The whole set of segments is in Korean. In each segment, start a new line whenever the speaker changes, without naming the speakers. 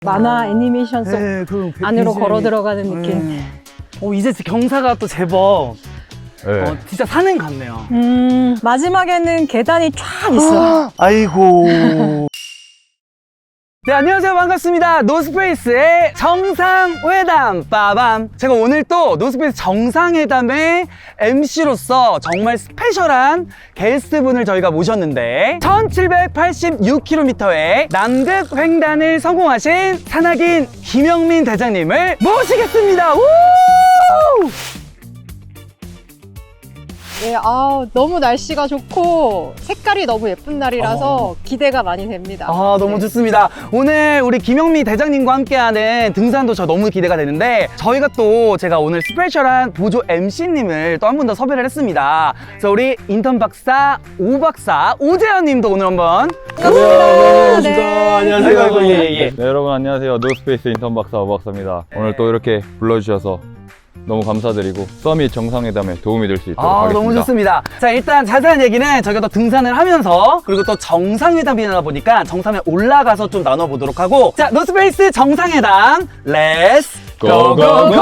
만화 애니메이션 속
네, 그
안으로
BGM 이.
걸어 들어가는 느낌.
네. 이제 경사가 또 제법
네.
진짜 산행 같네요.
마지막에는 계단이 쫙 있어.
아이고. 네, 안녕하세요. 반갑습니다. 노스페이스의 정상회담 빠밤. 제가 오늘 또 노스페이스 정상회담의 MC로서 정말 스페셜한 게스트분을 저희가 모셨는데 1786km의 남극 횡단을 성공하신 산악인 김영민 대장님을 모시겠습니다. 우!
예, 너무 날씨가 좋고 색깔이 너무 예쁜 날이라서 기대가 많이 됩니다.
너무 좋습니다. 오늘 우리 김영민 대장님과 함께하는 등산도 저 너무 기대가 되는데 저희가 또 제가 오늘 스페셜한 보조 MC님을 또 한 분 더 섭외를 했습니다. 그래서 우리 인턴 박사 오박사 오재현 님도 오늘 한번
반갑습니다.
네.
안녕하세요. 예.
네, 여러분 안녕하세요. 노스페이스 인턴 박사 오박사입니다. 오늘 또 이렇게 불러주셔서 너무 감사드리고 서밋 정상회담에 도움이 될 수 있도록 하겠습니다.
너무 좋습니다. 자, 일단 자세한 얘기는 저희가 또 등산을 하면서 그리고 또 정상회담이다 보니까 정상에 올라가서 좀 나눠보도록 하고, 자, 노스페이스 정상회담 렛츠 고고고!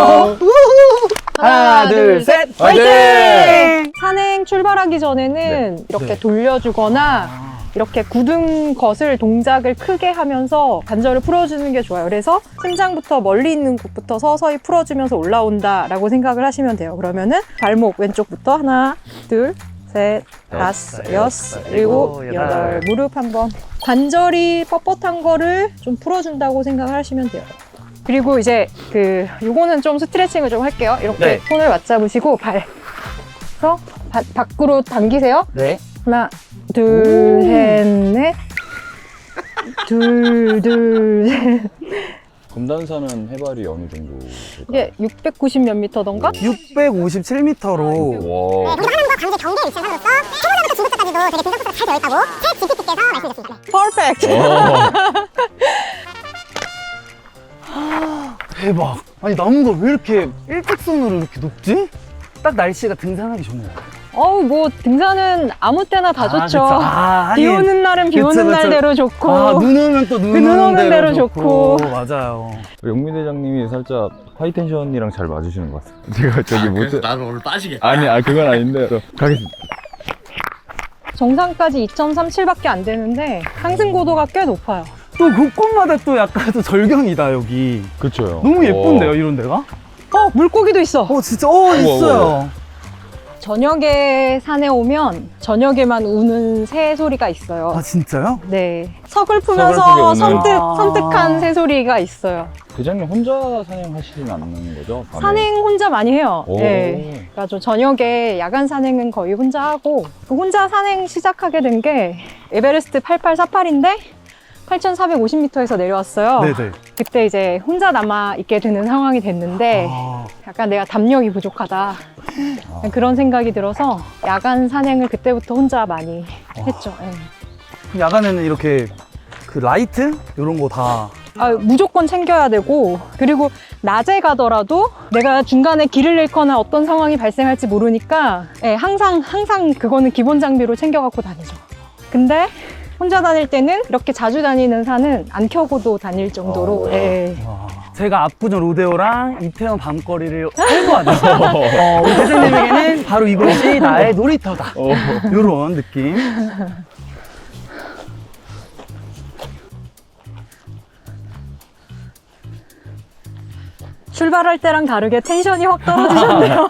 하나, 둘, 셋, 화이팅!
산행 출발하기 전에는 이렇게 돌려주거나 이렇게 굳은 것을 동작을 크게 하면서 관절을 풀어주는 게 좋아요. 그래서 심장부터 멀리 있는 곳부터 서서히 풀어주면서 올라온다라고 생각을 하시면 돼요. 그러면은 발목 왼쪽부터 하나, 둘, 셋, 다섯, 여섯, 일곱, 여덟. 무릎 한번. 관절이 뻣뻣한 거를 좀 풀어준다고 생각을 하시면 돼요. 그리고 이제 요거는 좀 스트레칭을 좀 할게요. 이렇게
네.
손을 맞잡으시고 그래서 밖으로 당기세요.
네.
하나, 둘, 셋, 넷. 둘, 셋.
금단산은 해발이 어느 정도 될까요?
이게 690 몇 미터던가?
657m로
와,
우리 하나님과 관계 경계 위치상으로서 초보자부터 중급자까지도 되게 분석 코스가 잘 되어 있다고 챗 GPT께서 말씀해주셨습니다.
퍼펙트!
대박. 아니, 나무가 왜 이렇게 일직선으로 이렇게 높지? 딱 날씨가 등산하기 좋네요.
뭐 등산은 아무 때나 다 좋죠.
그쵸.
비
하긴.
오는 날은 비
그쵸,
오는
그쵸.
날대로 좋고.
눈 오면 또 눈
눈
오는 대로
좋고.
맞아요.
영민 대장님이 살짝 하이텐션이랑 잘 맞으시는 것 같아요. 제가 저기 못
그래서 나는 오늘 빠지겠다.
아니 그건 아닌데 가겠습니다.
정상까지 2.37밖에 안 되는데 상승 고도가 꽤 높아요.
또 곳곳마다 또 약간 또 절경이다, 여기.
그렇죠.
너무 예쁜데요, 이런 데가?
물고기도 있어.
진짜, 있어요.
저녁에 산에 오면 저녁에만 우는 새 소리가 있어요.
진짜요?
네.
서글프게
서글프면서
우는.
섬뜩한 새소리가 있어요.
대장님 혼자 산행하시진 않는 거죠? 밤에?
산행 혼자 많이 해요.
오.
네. 그래서 저녁에 야간 산행은 거의 혼자 하고, 혼자 산행 시작하게 된 게 에베레스트 8848인데 8,450m에서 내려왔어요.
네네.
그때 이제 혼자 남아있게 되는 상황이 됐는데 약간 내가 담력이 부족하다. 그런 생각이 들어서 야간 산행을 그때부터 혼자 많이 했죠. 네.
야간에는 이렇게 그 라이트? 이런 거 다.
무조건 챙겨야 되고, 그리고 낮에 가더라도 내가 중간에 길을 잃거나 어떤 상황이 발생할지 모르니까 항상 그거는 기본 장비로 챙겨 갖고 다니죠. 근데 혼자 다닐 때는 이렇게 자주 다니는 산은 안 켜고도 다닐 정도로
제가 압구정 로데오랑 이태원 밤거리를 활보하는 우리 대장님에게는 바로 이곳이 나의 놀이터다. 이런 느낌.
출발할 때랑 다르게 텐션이 확 떨어지셨네요.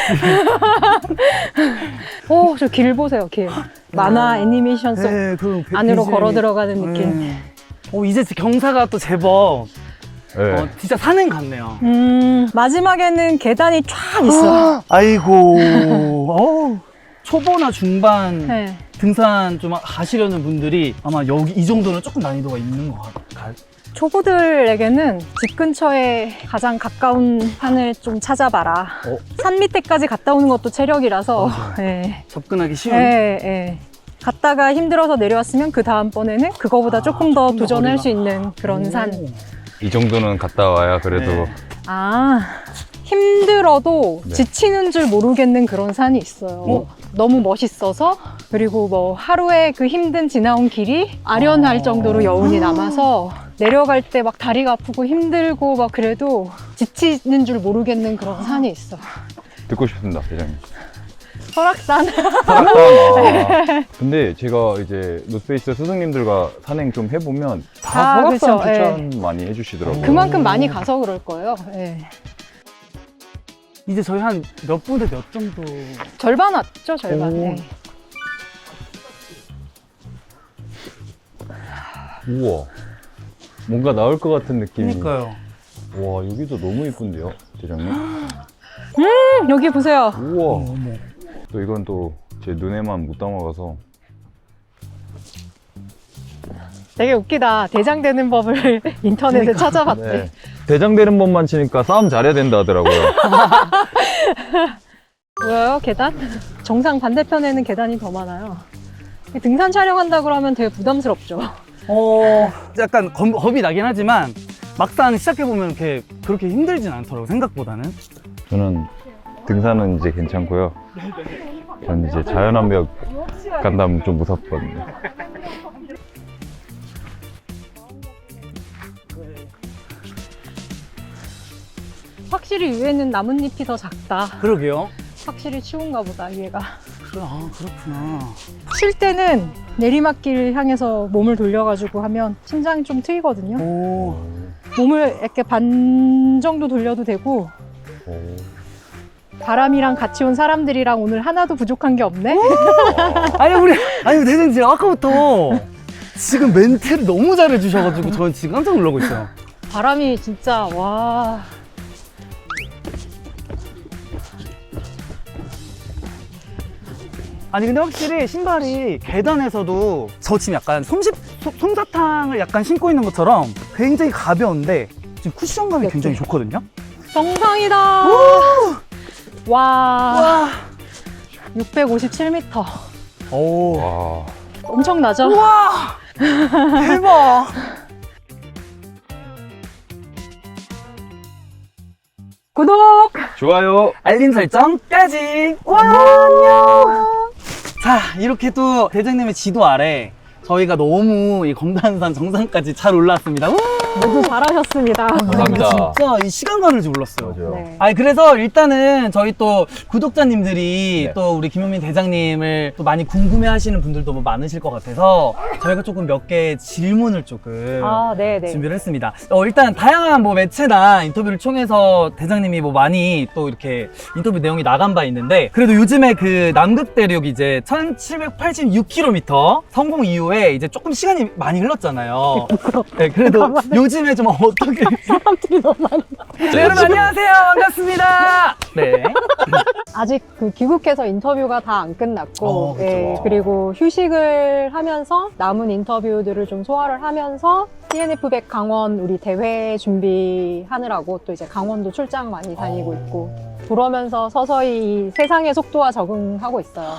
저 길 보세요, 길. 만화 애니메이션 속 안으로 걸어 들어가는 느낌.
이제 경사가 또 제법
네.
진짜 산행 같네요.
마지막에는 계단이 쫙 있어.
아이고. 초보나 중반
네.
등산 좀 하시려는 분들이 아마 여기 이 정도는 조금 난이도가 있는 것 같아요.
초보들에게는 집 근처에 가장 가까운 산을 좀 찾아봐라. 산 밑에까지 갔다 오는 것도 체력이라서. 네.
접근하기 쉬운.
갔다가 힘들어서 내려왔으면 그 다음번에는 그거보다 조금 더 도전할 수 있는 그런 산.
이 정도는 갔다 와야 그래도
힘들어도
네.
지치는 줄 모르겠는 그런 산이 있어요. 너무 멋있어서, 그리고 뭐 하루에 그 힘든 지나온 길이 아련할 정도로 여운이 남아서 내려갈 때 막 다리가 아프고 힘들고 막 그래도 지치는 줄 모르겠는 그런 산이 있어.
듣고 싶습니다, 대장님.
설악산.
설악산. 근데 제가 이제 노스페이스 스승님들과 산행 좀 해보면 다 설악산
그쵸.
추천 많이 해주시더라고요.
그만큼 많이 가서 그럴 거예요. 예.
이제 저희 한 몇 분에 몇 정도?
절반 왔죠, 절반.
오.
예.
우와. 뭔가 나올 것 같은 느낌이.
그러니까요.
와, 여기도 너무 이쁜데요, 대장님?
여기 보세요.
우와.
어머.
또 이건 또 제 눈에만 못 담아가서.
되게 웃기다. 대장 되는 법을 인터넷에 찾아봤대.
네. 대장 되는 법만 치니까 싸움 잘해야 된다 하더라고요.
보여요, 계단? 정상 반대편에는 계단이 더 많아요. 등산 촬영한다 그러면 되게 부담스럽죠.
약간 겁이 나긴 하지만 막상 시작해보면 그렇게 힘들진 않더라고, 생각보다는.
저는 등산은 이제 괜찮고요. 전 이제 자연암벽 간다면 좀 무섭거든요.
확실히 위에는 나뭇잎이 더 작다.
그러게요.
확실히 추운가 보다, 위에가.
그렇구나.
쉴 때는 내리막길 향해서 몸을 돌려가지고 하면 심장이 좀 트이거든요.
오.
몸을 이렇게 반 정도 돌려도 되고, 바람이랑 같이 온 사람들이랑 오늘 하나도 부족한 게 없네?
아니, 대장님, 지금 아까부터 지금 멘트를 너무 잘해주셔가지고 저는 지금 깜짝 놀라고 있어요.
바람이 진짜, 와.
아니, 근데 확실히 신발이 계단에서도 저 지금 약간 솜사탕을 약간 신고 있는 것처럼 굉장히 가벼운데 지금 쿠션감이 굉장히 좋거든요?
정상이다! 와. 657m.
오.
와.
엄청나죠?
우와! 대박!
구독!
좋아요.
알림 설정까지! 와, 안녕! 자, 이렇게 또 대장님의 지도 아래 저희가 너무 이 검단산 정상까지 잘 올라왔습니다. 우!
모두 잘하셨습니다.
감사합니다.
진짜 이 시간 가는 줄 몰랐어요.
맞아요.
네.
아니, 그래서 일단은 저희 또 구독자님들이
네.
또 우리 김용민 대장님을 또 많이 궁금해 하시는 분들도 뭐 많으실 것 같아서 저희가 조금 몇 개의 질문을 조금
아, 네네.
준비를 했습니다. 일단 다양한 뭐 매체나 인터뷰를 통해서 대장님이 뭐 많이 또 이렇게 인터뷰 내용이 나간 바 있는데 그래도 요즘에 그 남극 대륙 이제 1786km 성공 이후에 이제 조금 시간이 많이 흘렀잖아요. 네, 그래도 요즘에 좀 어떻게
사람들이 너무 많이.
네, 여러분 안녕하세요. 반갑습니다. 네.
아직 그 귀국해서 인터뷰가 다 안 끝났고,
그쵸.
예, 그리고 휴식을 하면서 남은 인터뷰들을 좀 소화를 하면서 TNF100 강원 우리 대회 준비하느라고 또 이제 강원도 출장 많이 다니고 있고, 그러면서 서서히 세상의 속도와 적응하고 있어요.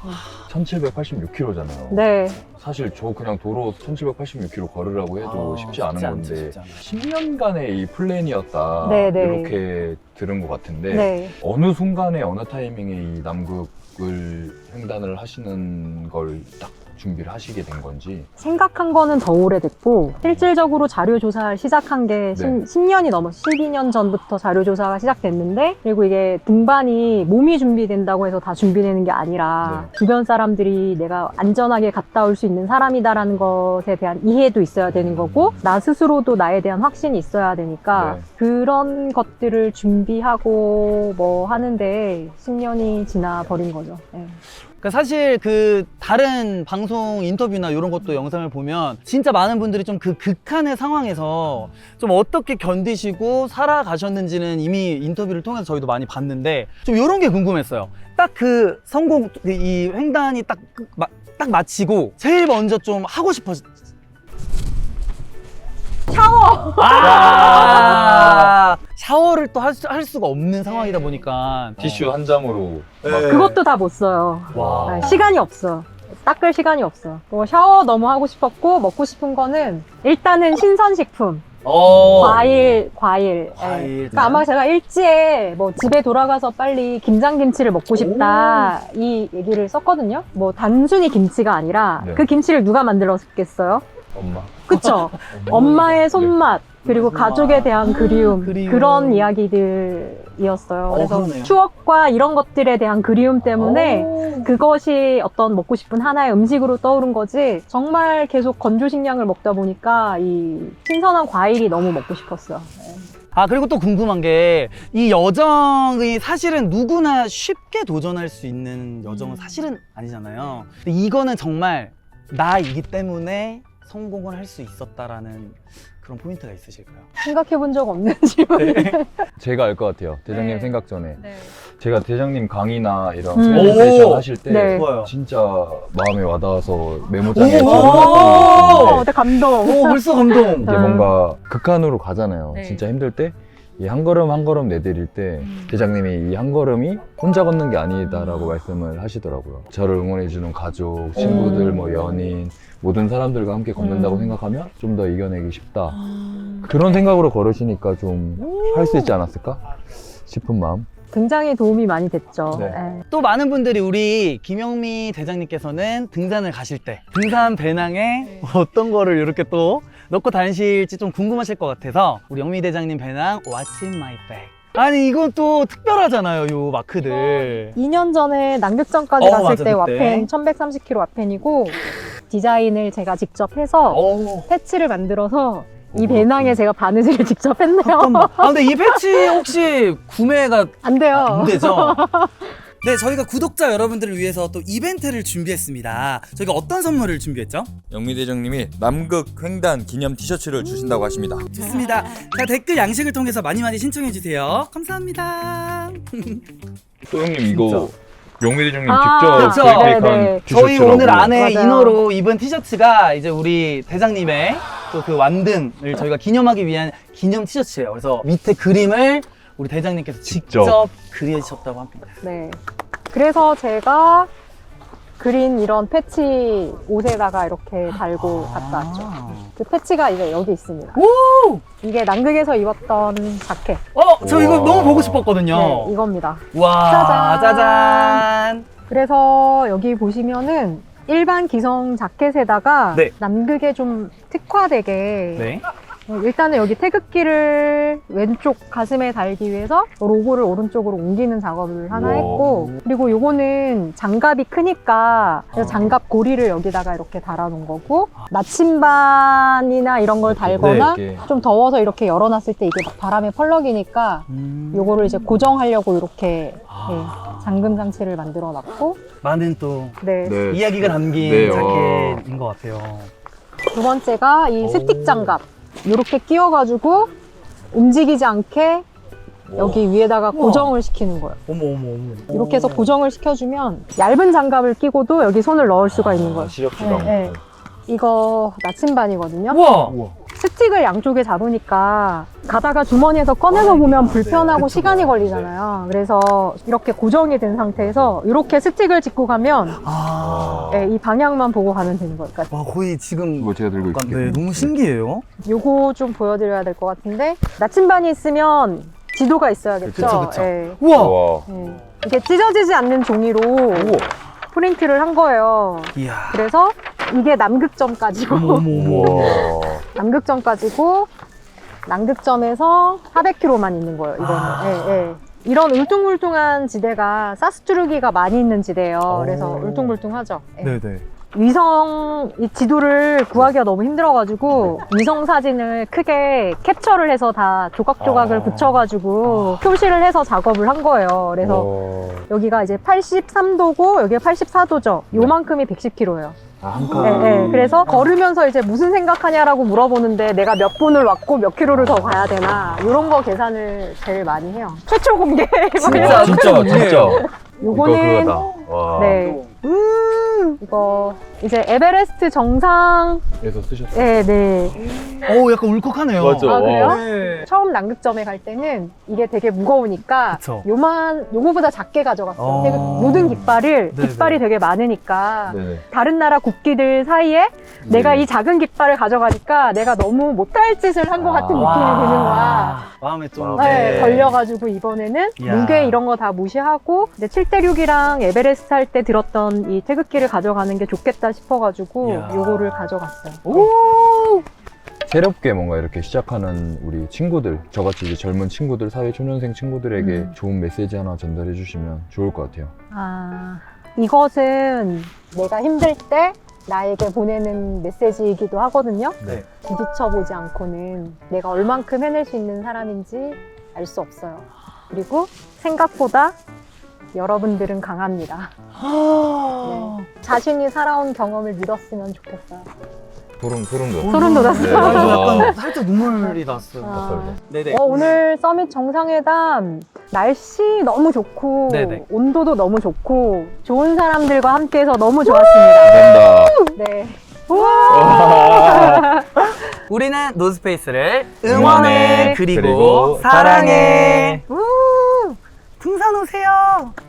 1786km잖아요.
네.
사실 저 그냥 도로 1786km 걸으라고 해도 쉽지 않은
쉽지 않죠,
건데
쉽지 않아요.
10년간의 이 플랜이었다
네, 네.
이렇게 들은 것 같은데
네.
어느 순간에 어느 타이밍에 이 남극을 횡단을 하시는 걸 딱 준비를 하시게 된 건지.
생각한 거는 더 오래됐고 실질적으로 자료 조사를 시작한 게
네.
10년이 넘어 12년 전부터 자료 조사가 시작됐는데, 그리고 이게 등반이 몸이 준비된다고 해서 다 준비되는 게 아니라
네.
주변 사람들이 내가 안전하게 갔다 올 수 있는 사람이다라는 것에 대한 이해도 있어야 되는 거고, 나 스스로도 나에 대한 확신이 있어야 되니까
네.
그런 것들을 준비하고 뭐 하는데 10년이 지나 버린 거죠. 네.
그러니까 사실 그 다른 방송 인터뷰나 이런 것도 영상을 보면 진짜 많은 분들이 좀 그 극한의 상황에서 좀 어떻게 견디시고 살아가셨는지는 이미 인터뷰를 통해서 저희도 많이 봤는데 좀 이런 게 궁금했어요. 딱 그 성공, 이 횡단이 딱 마치고 제일 먼저 좀 하고 싶어.
샤워!
샤워를 또 할 수가 없는 상황이다 보니까
티슈 한 장으로 막
그것도 다 못 써요.
와.
네, 시간이 없어. 닦을 시간이 없어. 뭐 샤워 너무 하고 싶었고, 먹고 싶은 거는 일단은 신선식품. 과일.
과일.
그러니까 아마 제가 일지에 뭐 집에 돌아가서 빨리 김장김치를 먹고 싶다 이 얘기를 썼거든요. 뭐 단순히 김치가 아니라
네.
그 김치를 누가 만들었겠어요?
엄마.
그쵸? 엄마의 손맛, 그리고
손맛.
가족에 대한 그리움,
그리움.
그런 이야기들이었어요. 그래서
그러네요.
추억과 이런 것들에 대한 그리움 때문에 그것이 어떤 먹고 싶은 하나의 음식으로 떠오른 거지, 정말 계속 건조식량을 먹다 보니까 이 신선한 과일이 너무 먹고 싶었어요. 네.
아, 그리고 또 궁금한 게, 이 여정이 사실은 누구나 쉽게 도전할 수 있는 여정은 사실은 아니잖아요. 근데 이거는 정말 나이기 때문에 성공을 할 수 있었다라는 그런 포인트가 있으실까요?
생각해 본 적 없는 질문.
제가 알 것 같아요. 대장님
네.
생각 전에.
네.
제가 대장님 강의나 이런
음.
프레젠테이션
오!
하실 때
네.
좋아요.
진짜 마음에 와닿아서 메모장에
오!
적어놨었는데
네, 감동.
오, 벌써 감동.
이게 뭔가 극한으로 가잖아요.
네.
진짜 힘들 때 이 한 걸음 한 걸음 내디딜 때 대장님이 이 한 걸음이 혼자 걷는 게 아니다라고 말씀을 하시더라고요. 저를 응원해주는 가족, 친구들, 뭐 연인 모든 사람들과 함께 걷는다고 생각하면 좀 더 이겨내기 쉽다. 그런 생각으로 걸으시니까 좀 할 수 있지 않았을까 싶은 마음.
굉장히 도움이 많이 됐죠.
네.
네.
또 많은 분들이 우리 김영미 대장님께서는 등산을 가실 때 등산 배낭에 어떤 거를 이렇게 또 넣고 다니실지 좀 궁금하실 것 같아서 우리 영미 대장님 배낭 What's in my bag? 아니 이건 또 특별하잖아요, 요 마크들.
2년 전에 남극전까지 갔을
맞아,
때
그때.
와펜 1130kg 와펜이고, 디자인을 제가 직접 해서
오,
패치를 만들어서 이
오,
배낭에 제가 바느질을 직접 했네요.
잠깐만. 아, 근데 이 패치 혹시 구매가
안 돼요.
안 되죠? 네, 저희가 구독자 여러분들을 위해서 또 이벤트를 준비했습니다. 저희가 어떤 선물을 준비했죠?
영미 대장님이 남극 횡단 기념 티셔츠를 주신다고 하십니다.
좋습니다. 자, 댓글 양식을 통해서 많이 감사합니다. 감사합니다.
또 형님 이거 영미 대장님
아,
직접
그쵸.
구입한
네네.
티셔츠라고.
저희 오늘 안에
맞아요.
이너로 입은 티셔츠가 이제 우리 대장님의 또 그 완등을 저희가 기념하기 위한 기념 티셔츠예요. 그래서 밑에 그림을 우리 대장님께서 직접 그리셨다고 합니다.
네. 그래서 제가 그린 이런 패치 옷에다가 이렇게 달고 갔다 왔죠. 그 패치가 이제 여기 있습니다.
오!
이게 남극에서 입었던 자켓.
저 이거
우와.
너무 보고 싶었거든요.
네, 이겁니다.
와,
짜잔.
짜잔.
그래서 여기 보시면은 일반 기성 자켓에다가
네.
남극에 좀 특화되게
네.
일단은 여기 태극기를 왼쪽 가슴에 달기 위해서 로고를 오른쪽으로 옮기는 작업을 하나
우와.
했고, 그리고 요거는 장갑이 크니까 그래서 장갑 고리를 여기다가 이렇게 달아놓은 거고, 나침반이나 이런 걸 달거나
네, 이렇게.
좀 더워서 이렇게 열어놨을 때 이게 막 바람에 펄럭이니까 요거를 이제 고정하려고 이렇게 네, 잠금 장치를 만들어 놨고,
많은 또
네.
네.
이야기가 담긴
네,
자켓인 것 같아요.
두 번째가 이 스틱 장갑. 이렇게 끼워가지고 움직이지 않게 여기 위에다가 고정을 시키는 거예요.
어머.
이렇게 해서 고정을 시켜주면 얇은 장갑을 끼고도 여기 손을 넣을 수가 있는 거예요.
시력주당.
네, 네. 이거 나침반이거든요.
우와.
스틱을 양쪽에 잡으니까 가다가 주머니에서 꺼내서 보면 불편하고 시간이 걸리잖아요. 그래서 이렇게 고정이 된 상태에서 이렇게 스틱을 짚고 가면
아.
네, 이 방향만 보고 가면 되는 거예요. 그러니까
와, 거의 지금
이거 제가 들고 있을게요.
네, 너무 신기해요.
요거 좀 보여드려야 될 것 같은데, 나침반이 있으면 지도가 있어야겠죠?
그쵸.
네.
우와.
와.
네. 이게 찢어지지 않는 종이로 프린트를 한 거예요.
이야.
그래서 이게 남극점까지고,
와.
남극점까지고, 남극점에서 400km만 있는 거예요, 이거는. 예, 예. 이런 울퉁불퉁한 지대가 사스투르기가 많이 있는 지대예요. 그래서 울퉁불퉁하죠. 예.
네네.
위성 이 지도를 구하기가 너무 힘들어가지고 위성 사진을 크게 캡처를 해서 다 조각조각을 붙여가지고 표시를 해서 작업을 한 거예요. 그래서 여기가 이제 83도고 여기가 84도죠. 요만큼이 110km예요.
한
네, 네. 그래서 걸으면서 이제 무슨 생각하냐라고 물어보는데 내가 몇 분을 왔고 몇 킬로를 더 가야 되나 이런 거 계산을 제일 많이 해요. 최초 공개.
진짜
진짜.
요거는
이거 그거다. 와.
네. 이거 이제 에베레스트 정상.
에서 쓰셨어요.
네, 네.
오, 약간 울컥하네요.
맞죠.
아, 그래요?
와.
네.
처음 남극점에 갈 때는 이게 되게 무거우니까
그쵸.
요거보다 작게 가져갔어요.
어.
되게 모든 깃발이
네네.
되게 많으니까
네네.
다른 나라 국기들 사이에 내가 이 작은 깃발을 가져가니까 내가 너무 못할 짓을 한 것 같은 느낌이 드는 거야.
마음에 좀.
네, 걸려가지고 이번에는
이야.
무게 이런 거 다 무시하고 이제 7대6이랑 에베레스트 할 때 들었던 이 태극기를 에너지를 가져가는 게 좋겠다 싶어가지고
이야.
요거를 가져갔어요.
오!
새롭게 뭔가 이렇게 시작하는 우리 친구들, 저같이 이제 젊은 친구들, 사회초년생 친구들에게 좋은 메시지 하나 전달해 주시면 좋을 것 같아요.
아, 이것은 내가 힘들 때 나에게 보내는 메시지이기도 하거든요.
네.
부딪혀보지 않고는 내가 얼만큼 해낼 수 있는 사람인지 알 수 없어요. 그리고 생각보다 여러분들은 강합니다. 네. 자신이 살아온 경험을 믿었으면 좋겠어요.
소름 돋았어요.
소름 돋았어요.
네.
약간 살짝 눈물이 났어요.
아.
네네.
오늘 서밋 정상회담 날씨 너무 좋고
네네.
온도도 너무 좋고 좋은 사람들과 함께해서 너무 좋았습니다.
감사합니다.
네.
우리는 노스페이스를
응원해.
그리고
그리고
사랑해. 우! 등산 오세요.